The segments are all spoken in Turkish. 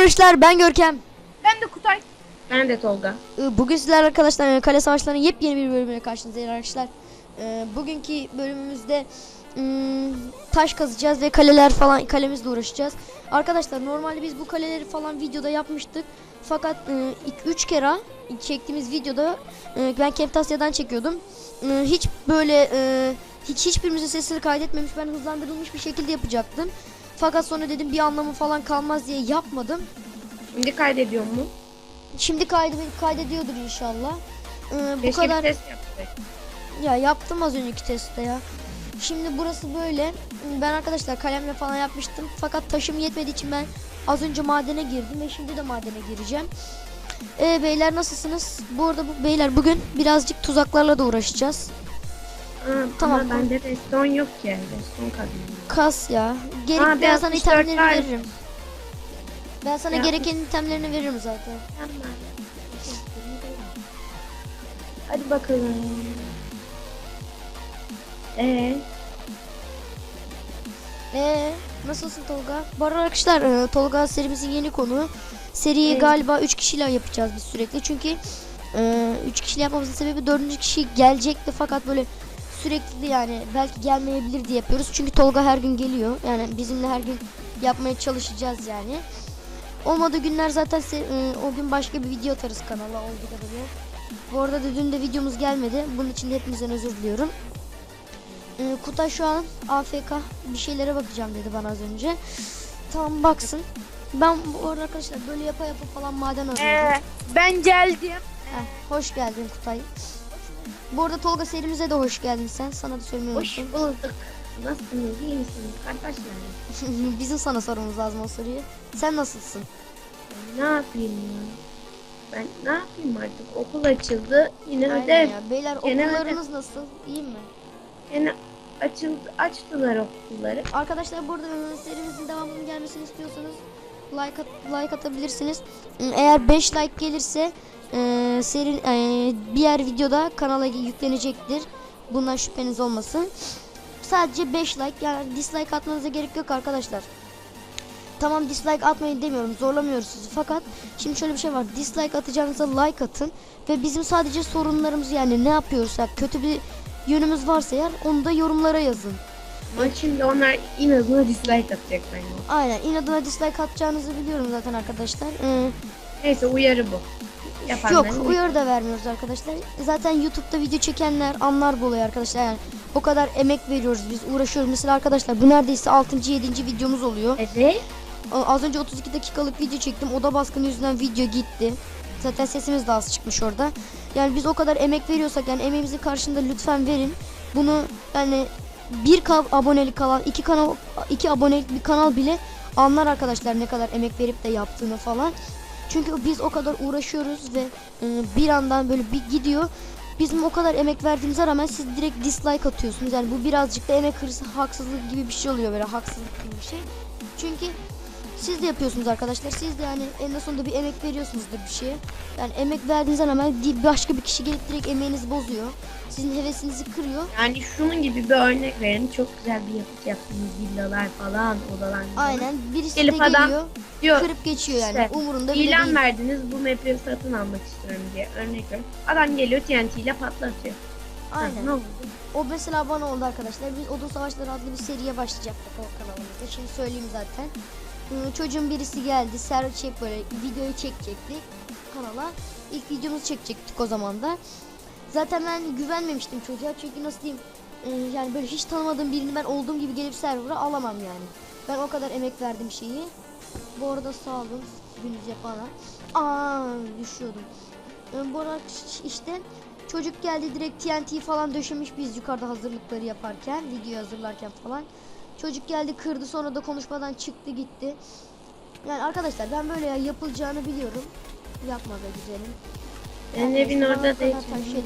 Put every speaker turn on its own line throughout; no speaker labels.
arkadaşlar, ben Görkem.
Ben de Kutay.
Ben de Tolga.
Bugün sizlerle arkadaşlar kale savaşlarının yepyeni bir bölümüne karşınızdayız arkadaşlar. Bugünkü bölümümüzde taş kazacağız ve kalemizle uğraşacağız. Arkadaşlar normalde biz bu kaleleri falan videoda yapmıştık. Fakat 3 kere çektiğimiz videoda ben Camtasia'dan çekiyordum. Hiç böyle hiçbirimizin sesini kaydetmemiş, ben hızlandırılmış bir şekilde yapacaktım. Fakat sonra dedim bir anlamı falan kalmaz diye yapmadım.
Şimdi kaydediyor mu?
Şimdi kaydediyordur inşallah. Bu
Keşke
kadar.
bir test yaptık.
Ya yaptım az önceki testte ya. Şimdi burası böyle. Ben arkadaşlar kalemle falan yapmıştım. Fakat taşım yetmediği için ben az önce madene girdim ve şimdi de madene gireceğim. Beyler nasılsınız? Bu arada beyler bugün birazcık tuzaklarla da uğraşacağız.
Tamam.
Tamam.
Bende reston yok ki. Reston kadın.
Kas ya. Ben
beyaz
sana
tişört
itemlerini
var.
veririm. Ben sana
Ya.
gereken itemlerini veririm zaten.
Hadi bakalım.
Nasılsın Tolga? Bu arada arkadaşlar Tolga serimizin yeni konu. Seriyi galiba 3 kişiyle yapacağız biz sürekli. Çünkü 3 kişiyle yapmamızın sebebi 4. kişi gelecekti fakat böyle sürekli yani belki gelmeyebilir diye yapıyoruz. Çünkü Tolga her gün geliyor. Yani bizimle her gün yapmaya çalışacağız yani. Olmadığı günler zaten o gün başka bir video atarız kanala olduğu kadarıyla. Bu arada da dün de videomuz gelmedi. Bunun için de hepinizden özür diliyorum. Kutay şu an AFK, bir şeylere bakacağım dedi bana az önce. Tamam baksın. Ben bu arada arkadaşlar böyle yapa falan maden arıyorum.
Ben geldim.
Hoş geldin Kutay. Bu arada Tolga serimize de hoş geldin sen. Sana da söylemeyi
Hoş
unuttum.
bulduk. Nasılsınız? İyi misiniz? Kardeşler.
Bizim sana sormamız lazım o soruyu. Sen nasılsın?
Ne yapayım ya? Ben ne yapayım artık? Okul açıldı. Yine
Aynen
ödev.
ya. Beyler
Gene
okullarınız nasıl? İyi mi?
Yine açtılar okulları.
Arkadaşlar burada serimizin devamının gelmesini istiyorsanız like atabilirsiniz. Eğer 5 like gelirse diğer videoda kanala yüklenecektir. Bundan şüpheniz olmasın. Sadece 5 like, yani dislike atmanıza gerek yok arkadaşlar. Tamam, dislike atmayın demiyorum, zorlamıyoruz sizi, fakat şimdi şöyle bir şey var. Dislike atacağınıza like atın ve bizim sadece sorunlarımızı, yani ne yapıyorsak, kötü bir yönümüz varsa eğer onu da yorumlara yazın.
Ama şimdi onlar inadına dislike atacak bence.
Aynen, inadına dislike atacağınızı biliyorum zaten arkadaşlar.
Neyse, uyarı bu.
Yok, uyarı da vermiyoruz arkadaşlar. Zaten YouTube'da video çekenler anlar bu olayı arkadaşlar. Yani o kadar emek veriyoruz, biz uğraşıyoruz. Mesela arkadaşlar bu neredeyse 6. 7. videomuz oluyor.
Evet.
Az önce 32 dakikalık video çektim. Oda baskını yüzünden video gitti. Zaten sesimiz de az çıkmış orada. Yani biz o kadar emek veriyorsak, yani emeğimizin karşılığında lütfen verin. Bunu yani 1K abonelik alan 2 abonelik bir kanal bile anlar arkadaşlar ne kadar emek verip de yaptığını falan. Çünkü biz o kadar uğraşıyoruz ve bir andan böyle bir gidiyor. Bizim o kadar emek verdiğimize rağmen siz direkt dislike atıyorsunuz. Yani bu birazcık da emek hırsı, haksızlık gibi bir şey oluyor, böyle haksızlık gibi bir şey. Çünkü siz de yapıyorsunuz arkadaşlar. Siz de yani en sonunda bir emek veriyorsunuzdur bir şeye. Yani emek verdiğinizden hemen başka bir kişi gelip direkt emeğinizi bozuyor. Sizin hevesinizi kırıyor.
Yani şunun gibi bir örnek verin. Çok güzel bir yapıt yaptığınız villalar falan, odalar.
Aynen. Birisi
Gelip
de
adam
geliyor,
diyor,
kırıp geçiyor yani.
işte,
Umurunda bile
İlan
değil.
verdiniz, bu map'i satın almak istiyorum diye örnek veriyorum. Adam geliyor TNT ile patlatıyor.
Aynen.
Ne oldu?
O mesela bana oldu arkadaşlar. Biz Odun Savaşları adlı bir seriye başlayacaktık o kanalımızda. Şimdi söyleyeyim zaten. Çocuğun birisi geldi. Böyle videoyu çekecektik kanala. İlk videomuzu çekecektik o zaman da. Zaten ben güvenmemiştim çocuğa. Çünkü nasıl diyeyim? Yani böyle hiç tanımadığım birini ben olduğum gibi gelip server'a alamam yani. Ben o kadar emek verdim şeyi. Bu arada sağ olun gününüz yapana. Düşüyordum. Bu arada işte çocuk geldi, direkt TNT falan döşemiş biz yukarıda hazırlıkları yaparken, videoyu hazırlarken falan. Çocuk geldi, kırdı, sonra da konuşmadan çıktı gitti. Yani arkadaşlar ben böyle yapılacağını biliyorum. Yapma be güzelim.
Benim evin orada değil.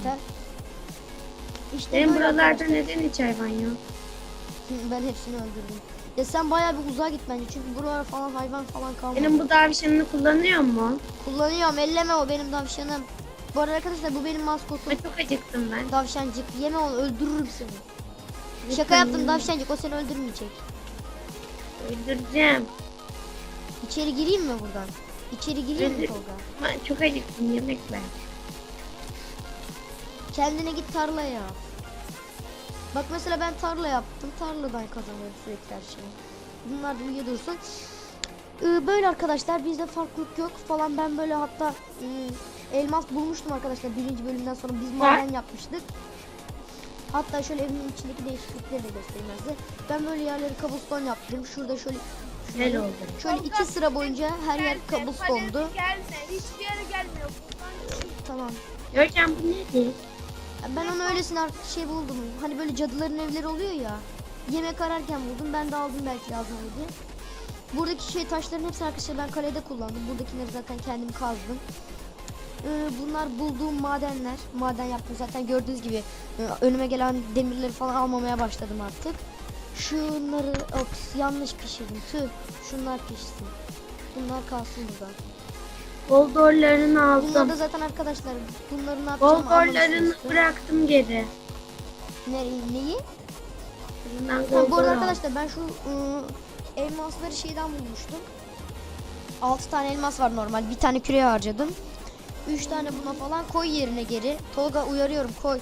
İşte
Benim buralarda
arkadaşlar.
neden hiç hayvan yok?
Ben hepsini öldürdüm. Ya sen bayağı bir uzağa git bence, çünkü buralar falan hayvan falan kalmadı.
Benim bu davşanını kullanıyor mu?
Kullanıyorum, elleme, o benim davşanım. Bu arada arkadaşlar bu benim maskotum.
Ben çok acıktım ben.
Davşancık, yeme onu, öldürürüm seni.
Lütfen
Şaka yaptım
yeme.
davşancık, o seni öldürmeyecek.
Öldüreceğim.
İçeri gireyim mi buradan? İçeri gireyim mi
Öyle-
Tolga?
Ben çok acıktım, yemek ver.
Kendine git tarla yap. Bak mesela ben tarla yaptım. Tarladan kazanıyorum sürekli her şeyi. Bunlar da uyuyor dursun. Böyle arkadaşlar, bizde farklılık yok falan. Ben böyle hatta elmas bulmuştum arkadaşlar birinci bölümden sonra. Biz maden yapmıştık. Hatta şöyle evimin içindeki değişiklikleri de göstereyim size. Ben böyle yerleri cobblestone yaptım. Şurada şöyle
Güzel oldu.
şöyle 2 sıra boyunca her yer
Gelme,
cobblestone'du.
Gelme. Hiçbir yere gelmiyor. Buradan çık.
Tamam.
Görkem bu nedir?
Ben onu öylesine artık şey buldum. Hani böyle cadıların evleri oluyor ya. Yemek ararken buldum. Ben de aldım belki lazım olur diye. Buradaki şey taşların hepsini arkadaşlar ben kalede kullandım. Buradakileri zaten kendim kazdım. Bunlar bulduğum madenler. Maden yaptım zaten gördüğünüz gibi. Önüme gelen demirleri falan almamaya başladım artık. Şunları ops, yanlış pişirdim. Tüh. Şunlar pişsin. Bunlar kalsın burada.
Goldorlarını
Bunlar
aldım.
da zaten arkadaşlar bunları ne yapacağım
Goldorlarını
anlamışsınızdır.
bıraktım geri.
Neyi?
Bundan
Ha, bu arada
goldor aldım.
arkadaşlar ben şu elmasları şeyden bulmuştum. 6 tane elmas var normal. Bir tane küreye harcadım. 3 tane buna falan koy yerine geri. Tolga uyarıyorum koy.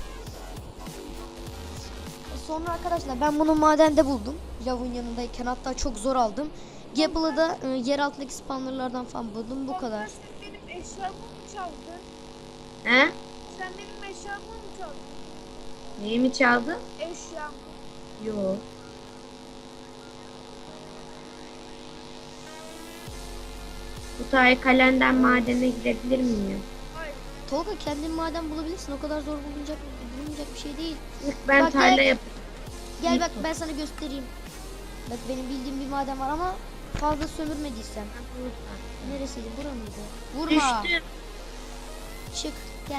Sonra arkadaşlar ben bunu madende buldum. Lavın yanındayken hatta çok zor aldım. Gapple'ı da yer altındaki spawnerlardan falan buldum. Bu kadar.
Sen benim eşyamı mı çaldın?
He?
Sen benim eşyamı mı çaldın?
Neyi mi çaldı?
Eşyamı.
Yok. Bu tane kalenden madene girebilir miyim?
Hayır.
Tolga kendin maden bulabilirsin. O kadar zor bulunacak bir şey değil.
Ben
Bak,
tarla
gel.
yapacağım.
Gel bak ben sana göstereyim. Bak benim bildiğim bir maden var ama fazla sömürmediysen. Neresiydi? Bura mıydı? Vurma.
Düştüm.
Çık gel.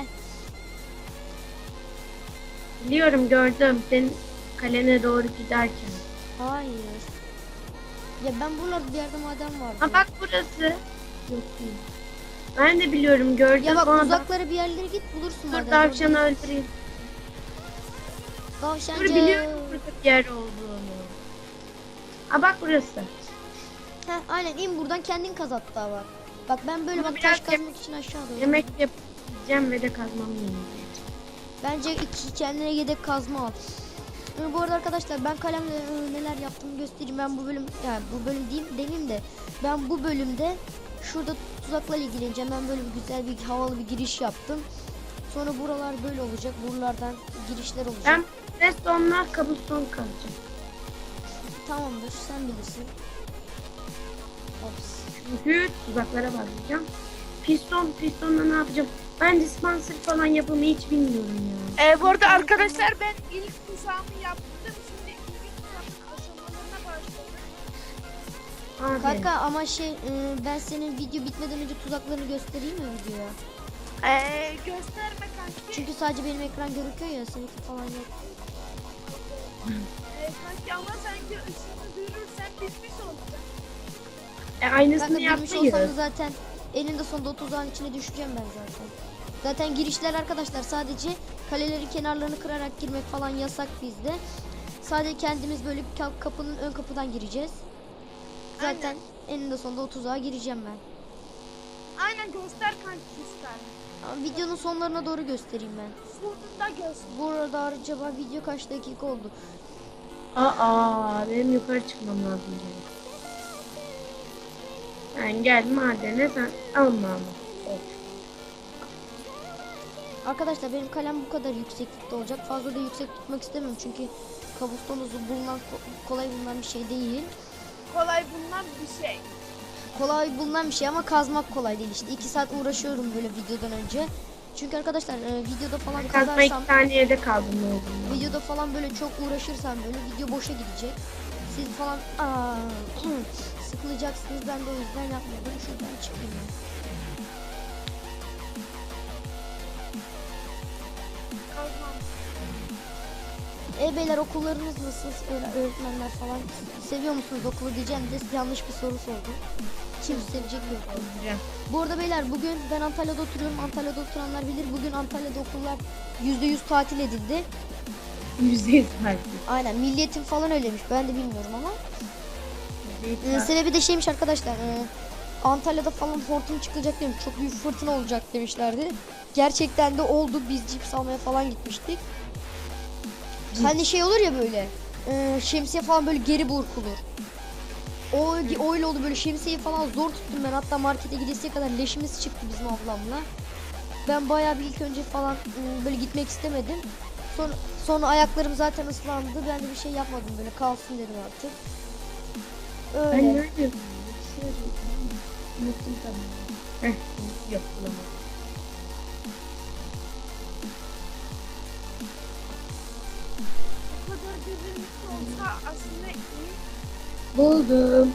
Biliyorum, gördüm. Senin kalene doğru giderken.
Hayır. Ya ben buralarda bir yerde maden vardı.
Ha bak burası. Yok değil. Ben de biliyorum, gördüm.
Ya bak
Sonra
uzaklara bir yerlere git bulursun
dur
maden.
tavşanı öldüreyim.
Tavşancı.
Dur, biliyorum burada bir yer olduğunu. Ha bak burası.
Heh, aynen in buradan kendin kaz hatta bak. Bak ben böyle
Ama
bak taş
biraz
kazmak için aşağı doğru.
Yemek yapacağım ve de kazmam gerekiyor.
Bence kendine yedek kazma al. Bu arada arkadaşlar ben kalemle neler yaptığımı göstereyim. Ben bu bölüm yani bu bölüm demeyeyim de ben bu bölümde şurada tuzakla ilgileneceğim. Ben böyle bir güzel bir havalı bir giriş yaptım. Sonra buralar böyle olacak. Buralardan girişler olacak.
Ben redstone'la cobblestone kazacağım.
Tamamdır sen bilirsin. Ops.
Çünkü tuzaklara bağlayacağım. Pistonla ne yapacağım? Ben dispenser falan yapımı hiç bilmiyorum ya.
Bu arada arkadaşlar ben ilk kuşağımı yaptım. Şimdi ilk kuşağımın aşamalarına başladım.
Abi.
Kanka ama ben senin video bitmeden önce tuzaklarını göstereyim mi videoya?
Gösterme kanki.
Çünkü sadece benim ekran gözüküyor ya seninki falan yok.
Kanki ama sanki ışığını duyurursan bitmiş olacak.
Aynısını
Kanka bilmiş olsam da
yapmayız.
zaten eninde sonunda o tuzağın içine düşeceğim ben zaten. Zaten girişler arkadaşlar sadece kaleleri kenarlarını kırarak girmek falan yasak bizde. Sadece kendimiz böyle kapının ön kapıdan gireceğiz. Zaten eninde sonunda o tuzağa gireceğim ben.
Aynen göster kanki göster.
Ama videonun sonlarına doğru göstereyim ben.
Sonunda göster.
Bu arada acaba video kaç dakika oldu?
Benim yukarı çıkmam lazım. Ben gel madene, sen alma ama. Of.
Arkadaşlar benim kalem bu kadar yükseklikte olacak. Fazla da yüksek tutmak istemiyorum çünkü kabuston bulunan kolay bulunan bir şey değil.
Kolay bulunan bir şey.
Kolay bulunan bir şey ama kazmak kolay değil işte. 2 saat uğraşıyorum böyle videodan önce. Çünkü arkadaşlar videoda falan
Ben kazma
kazarsam,
2 saniyede kaldım ne olduğunu.
videoda falan böyle çok uğraşırsam böyle video boşa gidecek. Siz falan sıkılacaksınız. Ben de o yüzden yapmadım. Şuradan çıkayım.
Kazmam.
Beyler okullarınız nasıl? Öğretmenler falan seviyor musunuz okulu diyeceğim de yanlış bir soru sordum. Kim sevecek yok. Bu arada beyler bugün ben Antalya'da oturuyorum. Antalya'da oturanlar bilir. Bugün Antalya'da okullar %100 tatil edildi.
%100 tatil.
Aynen milliyetin falan öylemiş. Ben de bilmiyorum ama.
%100 tatil.
Sebebi de şeymiş arkadaşlar. Antalya'da falan hortum çıkacak demiş. Çok büyük fırtına olacak demişlerdi. Gerçekten de oldu. Biz cips almaya falan gitmiştik. Hani şey olur ya böyle. Şemsiye falan böyle geri burkulur. O öyle oldu, böyle şemsiyeyi falan zor tuttum ben. Hatta markete gidesiye kadar leşimiz çıktı bizim ablamla. Ben bayağı bir ilk önce falan böyle gitmek istemedim. Sonra ayaklarım zaten ıslandı. Ben de bir şey yapmadım, böyle kalsın dedim artık. Öyle.
Ben ne yapıyorum? Unuttum tamam. Yok bulamadım.
Bu kadar birbirimiz olsa aslında iyi.
Buldum.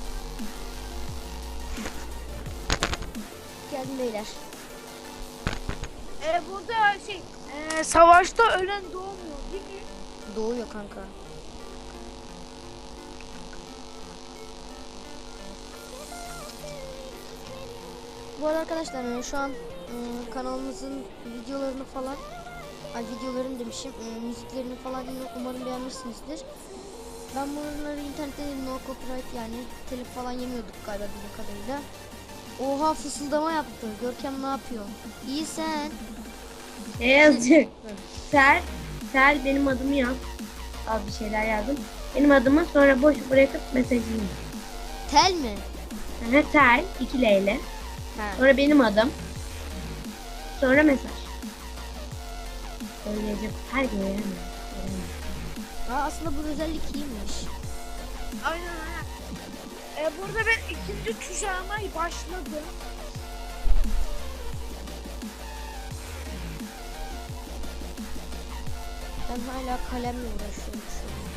Geldim beyler.
Burada savaşta ölen doğmuyor değil mi?
Doğuyor kanka. Bu arada arkadaşlar şu an kanalımızın videolarını falan, videolarını demişim, müziklerini falan umarım beğenmişsinizdir. Ben bunları internette no copyright, yani telif falan yemiyorduk galiba bildiğim kadarıyla. Oha, fısıldama yaptı. Görkem ne yapıyor? İyi sen.
Ne yazacak? Sel benim adımı yaz. Al bir şeyler yazdım. Benim adımı sonra boş bırakıp mesajını yaz.
Tel mi?
Tel 2 L ile.
Ha.
Sonra benim adım. Sonra mesaj. Söyleyecek her gün veremem.
Aslında bu özellik iyiymiş.
Aynen. Burada ben ikinci tuşağıma başladım.
Ben hala kalemle uğraşıyorum şu an.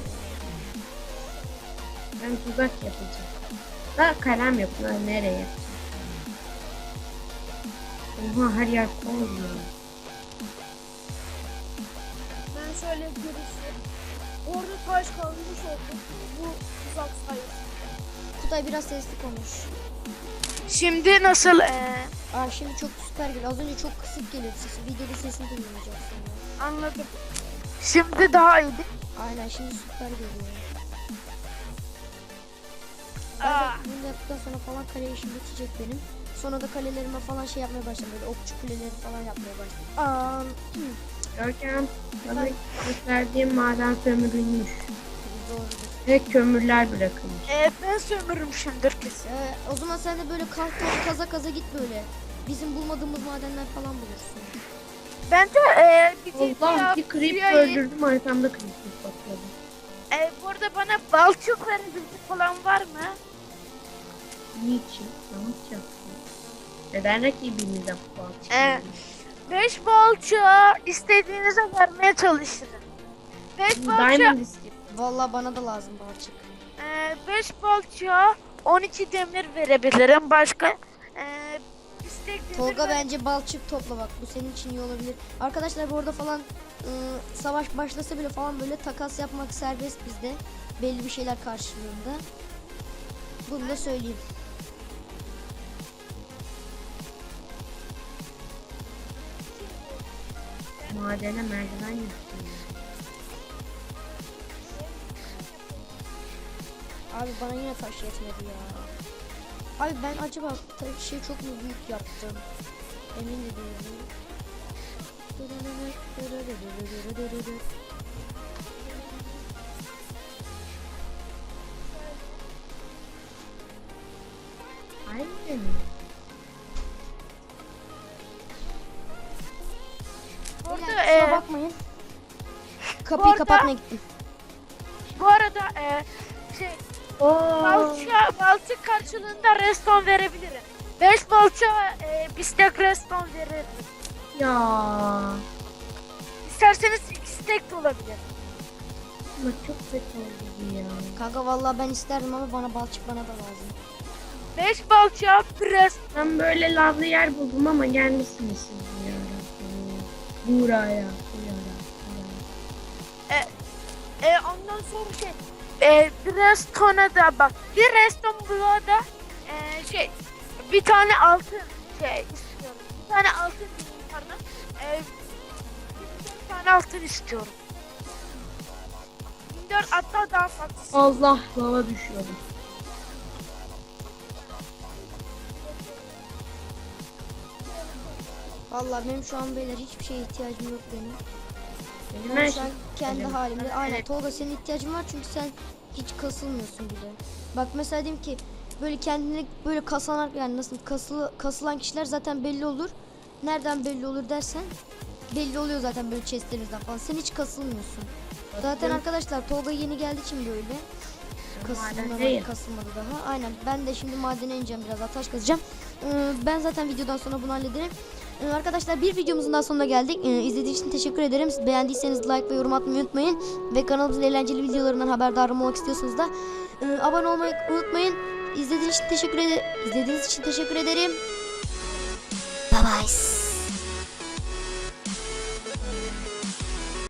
Ben tuzak yapacağım. Da kalem yapın. Nereye yapacağım? Oha, her yer koyuyor.
Ben şöyle birisi. Orada taş kalmış oldu. Bu tuzak sayesinde.
Kutay biraz sesli konuş.
Şimdi nasıl?
Şimdi çok süper geliyor. Az önce çok kısık geliyordu sesi. Videoda sesini duymayacaksın.
Anladım. Şimdi daha iyi.
Aynen, şimdi süper geliyor.
Aa.
Ben de bunu yaptıktan sonra falan kale işim bitecek benim. Sonra da kalelerime falan şey yapmaya başladım. Böyle okçu kuleleri falan yapmaya başladım.
Görkem, bana gösterdiğim maden sömürülmüş.
Doğrudur.
Ve kömürler bırakılmış.
Ben sömürmüşümdür kesin.
O zaman sen de böyle kaza git böyle. Bizim bulmadığımız madenler falan bulursun.
Bence
Allah, bir creep öldürdüm, arkamda creep bakıyordu.
Bu arada bana balçık verebilecek falan var mı?
Niçin? Ne yapacaksın? Neden rakibimize balçık?
5 balçığı istediğinize vermeye çalışırım. 5 balçığı,
Diamond istiyorum.
Vallahi bana da lazım balçık.
5 balçığa 12 demir verebilirim. Başka
Tolga bence balçık topla, bak bu senin için iyi olabilir. Arkadaşlar bu arada falan savaş başlasa bile falan böyle takas yapmak serbest bizde. Belli bir şeyler karşılığında. Bunu da söyleyeyim.
Madene merdiven yaptım.
Abi bana yine taş yetmedi ya. Abi ben acaba şey çok mu büyük yaptım? Emin de değilim.
Aynen.
Kusura bakmayın. Kapıyı kapatmaya gittim.
Bu arada balçık karşılığında reston verebilirim. 5 balçığa bir stack reston veririm.
Ya.
İsterseniz 2 stack de olabilir.
Ama çok kötü oldu bu ya.
Kanka vallahi ben isterdim ama bana balçık bana da lazım.
5 balçığa bir reston.
Ben böyle lavlı yer buldum ama gelmişsiniz siz ya. Buraya.
Ondan sonra bir restona da bak. Bir reston bloğa da bir tane altın istiyorum. Bir tane altın pardon. Bir tane altın istiyorum. 24 hatta daha fazla.
Allah, lava düşüyorum.
Vallahi benim şu an beyler hiçbir şeye ihtiyacım yok benim.
Benim
Ben
her
şu an
şey.
kendi
Benim.
halimde. Aynen
Evet.
Tolga senin ihtiyacın var çünkü sen hiç kasılmıyorsun bile. Bak mesela diyeyim ki böyle kendini böyle kasanan yani nasıl kasılan kişiler zaten belli olur. Nereden belli olur dersen belli oluyor zaten böyle chestlerinizden falan. Sen hiç kasılmıyorsun. Zaten arkadaşlar Tolga yeni geldiği için böyle.
Madendeyim.
Kasılmadı daha. Aynen. Ben de şimdi madene ineceğim biraz daha taş kazacağım. Ben zaten videodan sonra bunu hallederim. Arkadaşlar bir videomuzun daha sonuna geldik. İzlediğiniz için teşekkür ederim. Beğendiyseniz like ve yorum atmayı unutmayın. Ve kanalımızın eğlenceli videolarından haberdar olmak istiyorsanız da abone olmayı unutmayın. İzlediğiniz için teşekkür ederim. Bye bye.